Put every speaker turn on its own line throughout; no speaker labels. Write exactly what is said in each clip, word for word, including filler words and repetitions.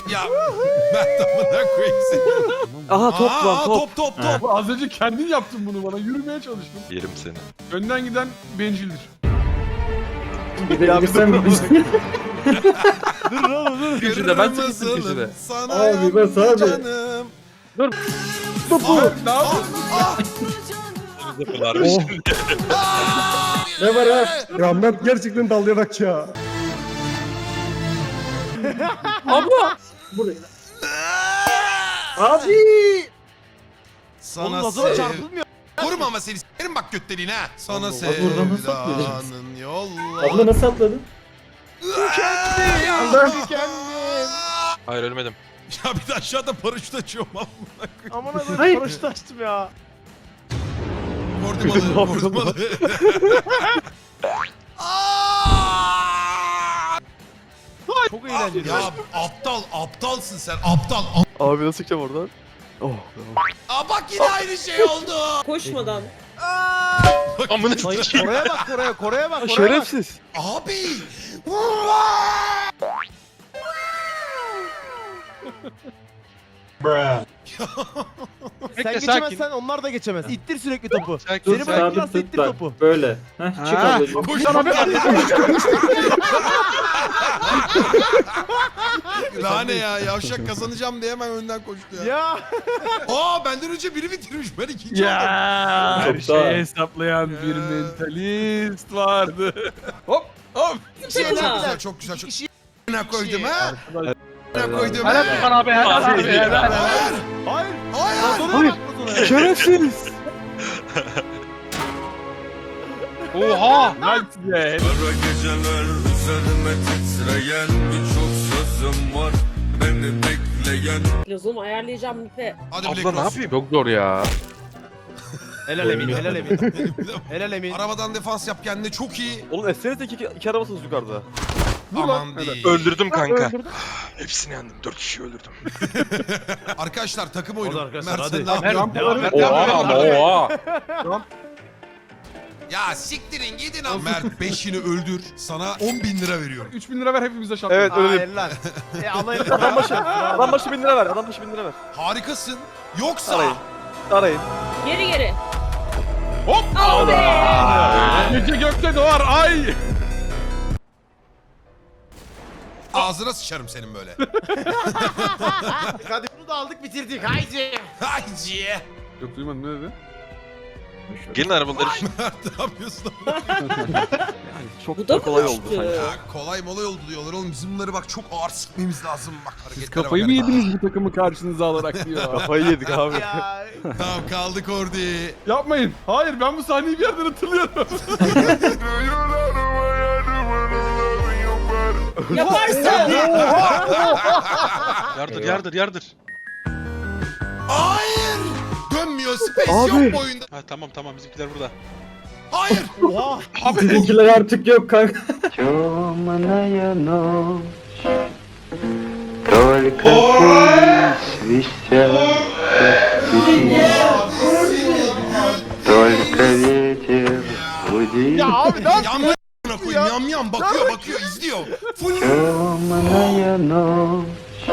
Ya ben tamına koyayım seni.
Aha top
Aa,
lan top.
top top top.
Bu az önce kendin yaptın bunu bana. Yürümeye çalıştım.
Yerim seni.
Önden giden bencildir.
Gidebilirsen bilirsin.
Dur oğlum dur.
Köşede, ben çektim
Kırmızılım
köşede.
Sana
Abi, ben sana
yandı
abi.
canım.
Topu. Ne yapıyorsun?
Ah,
Varmış.
ah.
Ne var ha? Ya Mert gerçekten dallayarak ya. Abla. Buraya. Abi.
Sana
Oğlum lazona
sev.
çarpılmıyor.
Vurma ama seni s**erim bak götlerin ha. Sana
Allah, buradan nasıl
sevdanın yolla.
Abla nasıl atladın?
Allah.
Hayır ölmedim.
Ya bir de aşağıda paraşüt açıyorum ama.
Aman abi
Hayır.
paraşüt açtım ya.
Vurdum alı, vurdum alı. Aa!
Çok eğlenceli.
Ya aptal, aptalsın sen, aptal.
Abi nasıl çıkacağım oradan? Oh.
Aa bak yine aynı şey oldu.
Koşmadan.
Amına
Hayır,
sikeyim.
Kore'ye bak Kore'ye, Kore'ye bak, Kore'ye bak.
Şerefsiz.
Abi.
Sen
Bekle,
geçemezsen onlar da geçemez. İttir sürekli topu.
Sakin,
Seni
sakin.
bırakırsa ittir topu.
Böyle. Heh, çık
Ha.
ablacığım.
Koş
Sana bir
Lane ya, yavşak kazanacağım diye hemen önden koştu ya.
Ya.
Aa benden önce biri bitirmiş, ben ikinci oldum.
Ya her
Çok
şeyi
daha-
hesaplayan bir mentalist vardı. Hop hop.
Çok güzel, çok güzel, çok güzel. Ne koydum ha? Ne koydum
Helal
ha?
Tufan abi helal abi helal.
Hayır,
Hayır.
hayır.
Lazona'ya bak Lazona'ya.
Şerefsiz.
Oha.
Helal size.
Kara geceler üzerime titreyen birçok sözüm var beni bekleyen.
Lazomu ayarlayacağım Nipe.
Hadi
Abla
Black
ne
Rose.
yapayım? Çok zor ya.
Helal Emin, helal Emin. Helal Emin.
Arabadan defans yap kendine, çok iyi.
Oğlum etsenize iki, iki arabasınız yukarıda.
Vur lan.
Aman değil.
Öldürdüm kanka. Hepsini yendim. Dört kişi öldürdüm.
Arkadaşlar takım oyunu.
Hadi arkadaşlar,
Mert
hadi.
sen ne yapıyorsun?
Devam et.
Oha ama oha.
Ya siktirin gidin ama. Mert beşini öldür. Sana on bin lira veriyorum.
üç bin lira ver hepimize şampiyon.
Evet öyle.
Hayır lan. E alayım.
Adam başı. Adam başı bin lira ver. Adam başı bin lira ver.
Harikasın. Yoksa
Arayın. Arayın.
Geri geri.
Hop.
Al be.
Gece gökte doğar ay.
ağzına sıçarım senin böyle.
Hadi bunu da aldık bitirdik. Haydi.
Haydi.
Yok duymadım ne dedi?
Gelin arabaları.
Mert ne yapıyorsun?
Çok
Bu
da
da
kolay
mı
oldu
düştü?
sanki.
Ya kolay molay oldu diyorlar oğlum. Bizim bunları bak çok ağır sıkmamız lazım. Bak
Siz
hareketlere
kafayı
bak
mı
hele.
yediniz bu takımı karşınıza alarak diyor.
Kafayı yedik abi.
Ya.
Tamam kaldık orada.
Yapmayın. Hayır ben bu sahneyi bir yerden hatırlıyorum.
Yaparsın.
Yardır yardır yardır.
Hayır. Dönmüyor. Space
Abi.
yok bu oyunda.
Ha tamam tamam bizimkiler burada.
Hayır.
Oha.
Sizinkiler artık yok kanka.
Темная ночь, только пусть свистят только ветер гудит.
Ya abi ne
Yam
yapıyorsun?
yam koyayım. Yam yam bakıyor bakıyor izliyor. Full.
Темная ночь,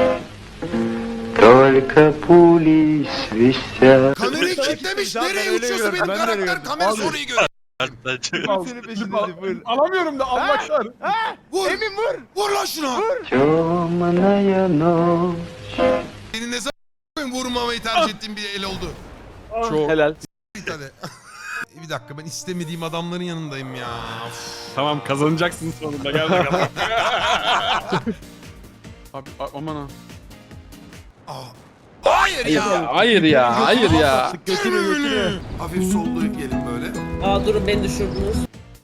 только пули свистят.
Kamerayı kilitlemiş.
Zaten
Nereye
öyle
uçuyorsun
görüyorum,
benim
ben de
karakter?
görüyorum.
Kamera
Abi.
sonra iyi görüyor.
Al,
Senin
klip
peşinde
al.
buyur.
Alamıyorum da almaklar.
Vur.
Emin vur.
Vur lan şuna.
Темная ночь.
Senin ne zaman vurmamayı tercih ettiğin bir el oldu.
Çok.
Helal.
Bir tane. Bir dakika ben istemediğim adamların yanındayım ya. Of.
Tamam kazanacaksın sonunda gel bakalım. Abi a- aman ha.
Aa. Hayır ya.
Hayır ya, hayır ya.
Götünü götünü.
Hafif sollayıp gelin böyle.
Aa durun beni düşürdünüz.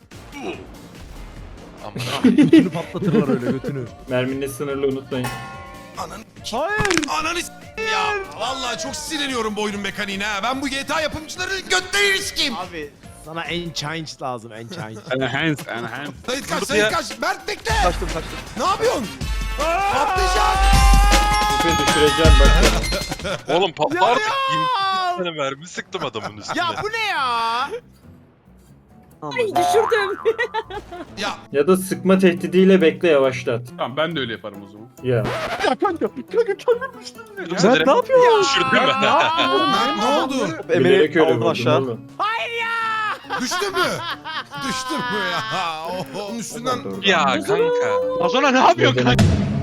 Götünü patlatırlar öyle götünü.
Merminin sınırlı unutmayın.
Ananı
Hayır.
Ananı s**eyim ya. Vallahi çok sinirleniyorum bu oyunun mekaniğine ha. Ben bu G T A yapımcıları götlerini sikeyim.
Abi sana enchant lazım enchant.
Enhance, enhance.
Sayit kaç,
Dur
Sayit
ya.
kaç. Mert bekle.
Kaçtım kaçtım.
Ne yapıyorsun? Patlayacak.
Seni düşüreceğim ben.
Oğlum patlar artık.
Ya!
yirmi tane mermi sıktım adamın üstüne.
Ya bu ne ya?
Ay düşürdüm.
Ya
Ya da sıkma tehdidiyle bekle yavaşlat.
Tamam ben de öyle yaparım o zaman.
Ya.
Ya kanka, kanka kendim düştüm ya.
Mert ne yapıyorsun? Düşürdün mü?
Mert ne oldu?
Bilerek öyle vurdum oğlum.
Düştü mü? Düştü mü ya? Oh, onun üstünden...
Ya kanka.
Lazona ne yapıyorsun kanka?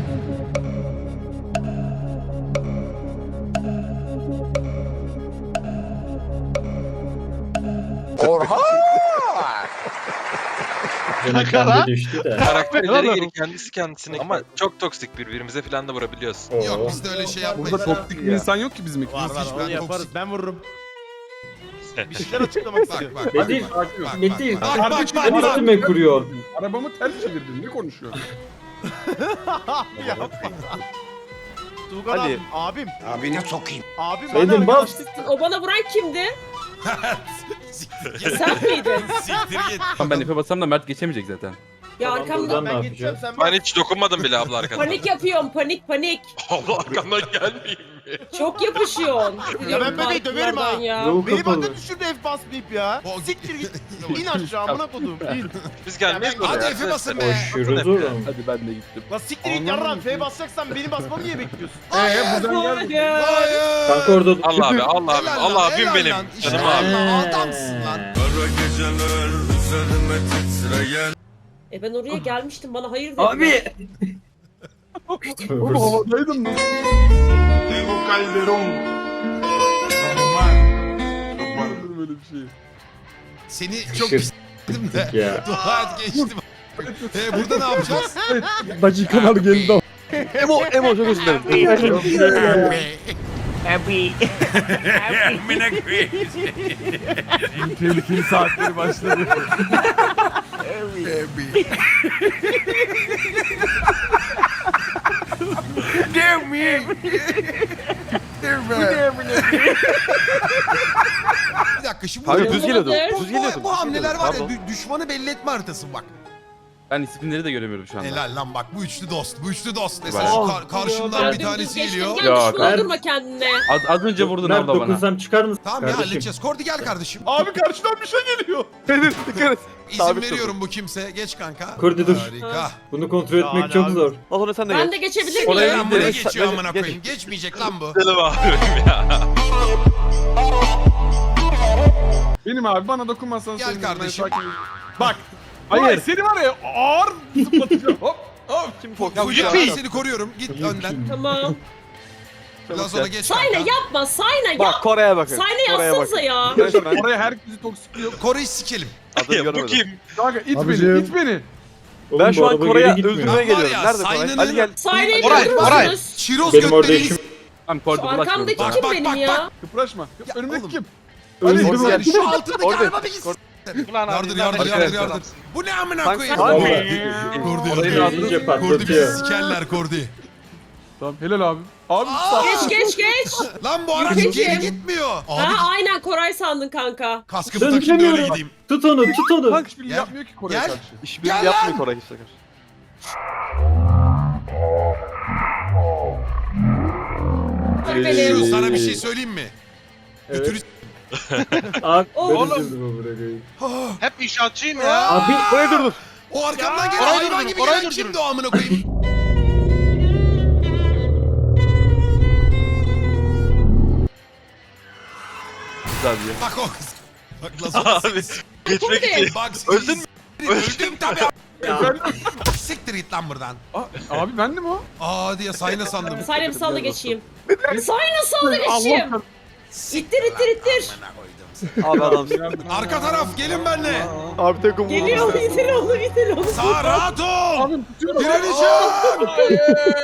Canım kendi düştü de.
Karakterleri geri kendisi kendisine. Ama çok toksik birbirimize falan da vurabiliyoruz.
Yok
Oo.
biz de öyle şey yapmayız.
Burada toksik bir insan yok ki bizim
Var
ikimiz.
var
hiç
onu
ben
yaparız.
toksik.
Ben vururum. Bir şeyler açıklamak istiyorum.
Bak bak.
Metin,
bak,
Metin.
bak, bak, bak,
Sen
bak, bak.
üstüme kuruyor.
Arabamı ters çevirdin, ne konuşuyorsun?
Yapma. Tuğkan abim. Abim.
Abine sokayım.
Abim
Dedim,
bana
bas.
arkadaşlık.
O bana vuran kimdi?
Siktir git.
Sen miydin?
Siktir git.
Tamam ben ipe bassam da Mert geçemeyecek zaten.
Ya
Tamam,
arkamda
buradan-
Ben
Ne
geçeceğim
yapacağız?
sen
Ben hiç dokunmadım bile abla arkadan.
panik yapıyorum panik panik.
Allah arkamdan gelmeyeyim mi?
Çok yapışıyorsun.
Ya ben bebeği döverim ha.
Ya.
Yol
Beni
kapalı.
bana düşürdü F basmayıp ya.
O-
Siktir git. İn aşağı amına kodum. İn.
Biz gelmeyiz buraya.
Hadi Efe basın be.
Koşuyoruz oğlum.
Hadi ben de gittim.
La siktir git yarram. F basacaksan benim basmamı niye bekliyorsun?
Eee buradan gel.
Hayır.
Hayır.
Kanka orada dur.
Allah abi, Allah abi,
Helal
Allah
lan,
abim
helal
benim.
lan. İşte
Canım abi.
Allah, adamsın lan.
Kara geceler üzerime titreyen
E ben oraya gelmiştim bana hayır dedin.
Abi.
Oğlum havadaydım lan. Böyle bir şey.
Seni çok
Şık.
pisledim de.
Ya.
Dua et geçtim. E burada ne yapacağız?
Dakikalar geldi.
Emo, Emo çok özür dilerim.
Tehlikeli saatleri başladı.
Bir dakika şimdi
Hayır,
bu,
düz geliyordu,
bu,
düz
bu, bu hamleler var ya dü- düşmanı belli etme haritası bak.
Ben isimleri de göremiyorum şu anda.
Helal lan bak bu üçlü dost. Bu üçlü dost. Mesela
Bak.
şu kar- karşımdan
Ya
bir
dümdüz
tanesi
geçtin,
geliyor.
Gel
Yok,
düşman
ben-
öldürme kendine.
Az, az önce vurdun
Mert
abla bana.
dokunsam çıkar mısın?
Tamam ya
Kardeşim.
halledeceğiz. Kordi gel kardeşim.
Abi karşıdan bir şey geliyor.
Dikkat et.
İzin veriyorum bu kimse. Geç kanka.
Kordi dur.
Harika.
Bunu kontrol
Ya
etmek
hadi
çok
abi.
zor.
Lazona sen de
Ben
gel.
de geçebilir
Oraya
miyim?
Lan buraya
Geç,
geçiyor
geç,
amına
geç.
koyayım. Geçmeyecek lan bu.
Canım abim ya.
Benim abi bana dokunmazsan
Gel
sevinirim, ben
kardeşim.
sakin- Bak. Hayır. Seni var ya ağır zıplatacağım. Hop. Hop.
Kim kork?
Ya Fulya ben seni koruyorum. Git önden.
Tamam.
Biraz sonra geç
Sayna
kanka.
yapma Sayna yap.
Bak Kore'ye bakın.
Sayna yapsanıza ya.
Resmen.
Oraya herkesi toksikliyor.
Kore'yi sikelim.
Adını
Ya bu
görmedim.
kim?
Kanka it
Abicim.
beni, it beni.
Oğlum,
Ben şu
bu
an
araba
Kore'ye
geri gitmiyor.
öldürmeye
Var
geliyorum.
ya,
Nerede Koray?
Sayna'nın-
Hadi gel.
Sayna'yı
Koray, Koray.
öldürürsünüz.
Çiroz
Benim orada
götlerini...
işim.
Tamam kordu
Şu
bulaşmıyorum.
arkamdaki
Bak,
kim
bak,
benim
bak,
ya?
Kıpraşma.
Ya
Önümdeki
oğlum.
kim?
Öldüm.
Orada
Yani
gel.
şu altındaki
Orada.
araba bir gitsin.
Ulan
Yardır
abi,
yardır
nereden
yardır
geldin?
yardır. Bu ne amına
Kanka,
koyayım?
hadi.
Kordi
Orayı
yardır.
iyice
Kordi bizi
patlatıyor.
sikerler Kordi.
Tamam helal abi. Abi
Aa!
Geç geç geç.
Lan bu araç
Yürüyeceğim.
geri gitmiyor. Abi
Ha aynen Koray sandın kanka.
kaskımı
Dön,
takayım da öyle
dönüyorum.
gideyim.
Tut onu, tut onu.
Kanka hiçbiri
Gel.
yapmıyor ki Kore'ye
Gel.
karşı.
İşbirliği
Gel
yapmıyor
lan.
Koray kimse karşı.
Dur
Ee,
benim.
Şu sana bir şey söyleyeyim mi?
Evet.
Götürü...
Abi,
Oğlum.
ben üzüldüm o bırakayım.
Ah,
Hep inşaatçıyım ya.
Abi,
Koray dur dur.
o arkamdan
Ya,
gelen
oraya
hayvan
dur,
gibi
oraya
gelen
dur.
kimdi o amına koyayım?
Güzel diyor.
Bak o kız. Bak Lazona
Abi
seni-
geçmek
Kordi.
için.
Bak
Öldün mü?
Öldüm tabii.
Efendim?
Siktir git lan buradan.
Aa, abi bendim o.
Aa diye sayna sandım.
Sayna bir salla geçeyim. Sayna salla geçeyim.
Allah
İttir ittir ittir.
Abi adamsın.
Arka taraf gelin benimle.
Abi tek umurumda.
Geliyor onu itir onu itir onu.
Sağ rahat ol.
Abi tutuyorum.
Direneceğim.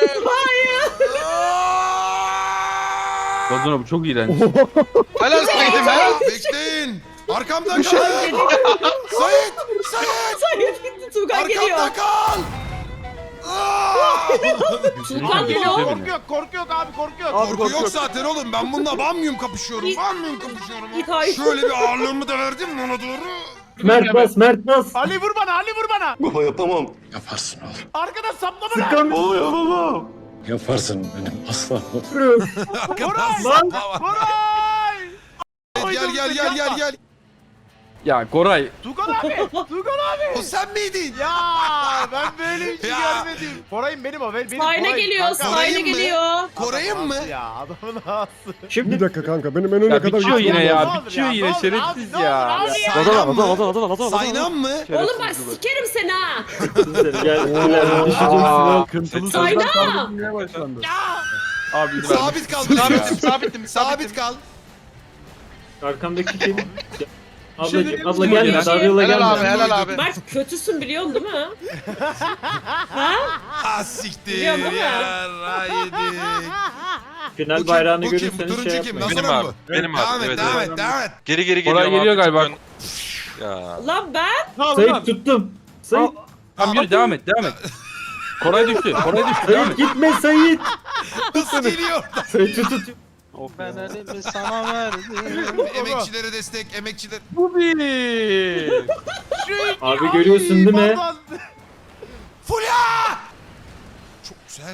Lazona bu çok iğrenç.
Helal saydım helal.
Bekleyin. Arkamda kal. Sait. Sait.
Sayna gitti Tuğkan geliyor.
Arkamda kal. Aa!
Tuğkan
Geliyor.
geliyor.
Korku yok, korku yok abi, korku yok.
Korku
korku
yok zaten oğlum. Ben bununla bamyum kapışıyorum.
Git.
Bamyum kapışıyorum.
Git, hayır.
Şöyle bir ağırlığımı da verdim ona doğru.
Mert bas, Mert bas.
Ali vur bana, Ali vur bana.
Baba yapamam. Yaparsın oğlum.
Arkadan saplama lan.
Sıkan
Baba yapamam. Yaparsın benim aslanım.
Arkadan
Lan.
sapma var.
Koray!
Gel gel gel gel gel.
Ya Koray.
Tugan abi. Tugan abi.
O sen miydin?
Ya ben böyle bir şey
Ya.
görmedim. Koray'ım benim o. Benim
Sayna
Koray.
geliyor,
Kanka,
sayna
Koray'ın mı?
geliyor.
Koray'ın mı?
Ya adamın ağası.
Şimdi
Bir dakika kanka benim en öne
Ya
kadar
bitiyor
gitmem
yine
lazım.
ya. Bitiyor yine şerefsiz ya.
Saynan mı? Saynan mı?
Oğlum bak sikerim seni ha.
seni gel. ileride düşeceksin.
Aa,
al.
kıntılı
Sayna!
sözler sarılmaya başlandı. Abi izin verme.
Sabit kal. Sabitim, sabitim, sabit kal.
Arkamdaki kim?
şey
Ablacım,
diyeyim
abla
mi?
gelme.
Helal
Daryola gelme.
helal abi.
Mert kötüsün biliyorsun değil mi? Ha?
Ha siktir
Biliyorsun değil mi?
ya. Yedik.
Final bayrağını
Bu kim? Bu
görürseniz
turuncu
şey
kim?
yapmayın.
Nasıl
Benim
lan
abi,
bu?
benim
Devam
abi,
et,
evet,
devam
evet.
et, devam et.
Geri geri geliyor.
Koray geliyor galiba.
Ya.
Lan ben?
Sait tuttum. Sait.
Tamam yürü devam et devam et. Koray düştü. Koray düştü devam
Sait
et.
gitme Sait.
Nasıl geliyor?
Sait tut tut.
Ben elimi sana verdim.
Emekçilere destek, emekçiler.
Bu bir.
Abi görüyorsun değil mi?
Pardon.
Fulya! Çok güzel.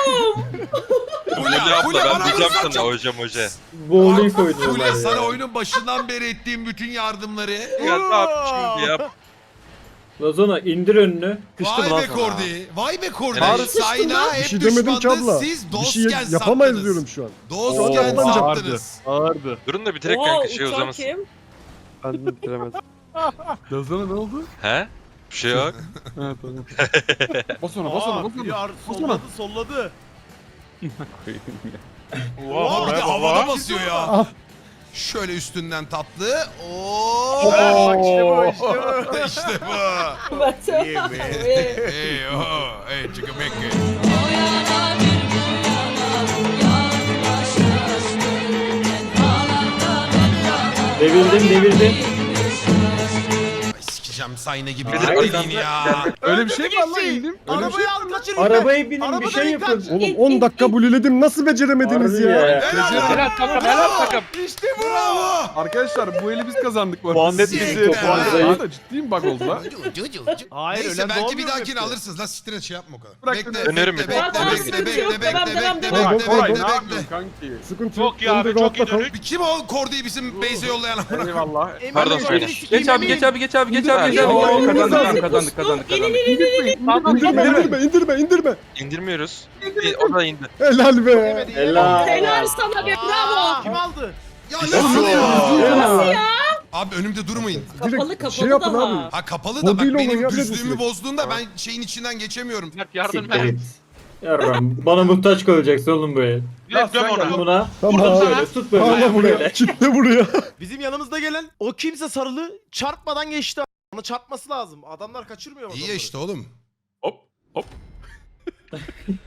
Öyle
Fulya,
abla
Fulya
ben
bana
diyeceğim
vurursan
sana
çok...
hocam hoca.
Bowling oynuyorlar
Fulya
ya.
sana oyunun başından beri ettiğim bütün yardımları.
Ya ne yap şimdi yap.
Lazona indir önünü.
Vay be Kordi. Vay be Kordi.
Helal.
Sayna
Bir
hep
şey demedim ki
düşmandı.
abla.
Siz
Bir şey
dostken
yapamayız
sattınız.
diyorum şu an.
Dostken
Oo,
sattınız.
Ağırdı.
Durun da bitirek
Wow,
kanka şey
uçan
uzamasın.
kim?
Ben de bitiremedim. Lazana ne oldu?
He? Bir şey yok.
Ha tamam. Bas ona bas ona
Aa,
bas ona.
Kıyar
Bas ona.
solladı solladı.
Oha bir de havada basıyor ya.
Ah.
Şöyle üstünden tatlı. Oo.
Bak işte bu işte bu.
işte bu.
Mert.
İyi mi?
Hey oh, hey çıkımekke.
Devirdim devirdim.
Ay sikeceğim Sayna gibi
Ay,
bir dediğin ya.
Öyle bir şey mi var lan indim? Öyle bir şey
Arabayı al kaçır.
Arabaya binin bir
Arabadan
şey
in,
yapın.
kaç.
Oğlum on dakika buliledim nasıl beceremediniz
Harbi
ya?
ya.
Helal
Helal takım helal takım.
İşte bu.
Bravo.
Arkadaşlar bu eli biz kazandık bu arada.
Puan net
Siktir
bizi.
be.
Puan
Daha
zayıf.
da ciddiyim bak oldu lan.
Hayır
Neyse
ölen
belki bir
doğmuyor
dahakini
hepsi.
alırsınız. La siktir et şey yapma o kadar.
Bırak
Bekle,
beni.
bekle,
Dönerim
bekle,
bir
bekle,
daha.
bekle,
Sıkıntı
bekle,
yok,
bekle,
devam,
bekle,
devam,
bekle,
devam.
bekle,
Koray
bekle,
ne
bekle.
yapıyorsun kanki?
Sıkıntı
Çok iyi
yok.
abi,
Önde
çok iyi
rahatla kal.
dönük.
Kim o Kordi'yi bizim base'e yollayan amına?
Eyvallah.
Emin
Pardon,
ol,
söyle.
seni sikeyim,
Geç abi
Emin.
geç abi geç abi geç abi geç
Ya,
abi.
ya,
Kazandık
ya,
kazandık
ya,
kazandık kazandık kazandık.
İndirme indirme indirme indirme.
İndirmiyoruz. İ- O da indi.
Helal be.
Yemedi, yemedi.
Helal.
Helal sana be bravo.
Kim aldı?
Ya nasıl ya?
Nasıl
ya?
Abi önümde durmayın.
Kapalı
Direkt
kapalı
şey yapın
daha.
abi.
Ha kapalı da bak
Mobil olun
benim
ya,
düzlüğümü
direkt.
bozduğunda ben şeyin içinden geçemiyorum.
Siktir git. Yarram bana muhtaç kalacaksın oğlum böyle.
Direkt göm
Sen
ona.
buna
Tamam.
böyle tut böyle.
Bağla buraya.
böyle.
Kitle buraya.
Bizim yanımızda gelen o kimse sarılı çarpmadan geçti. Ona çarpması lazım. Adamlar kaçırmıyor
İyi ya
adamları.
işte oğlum.
Hop hop.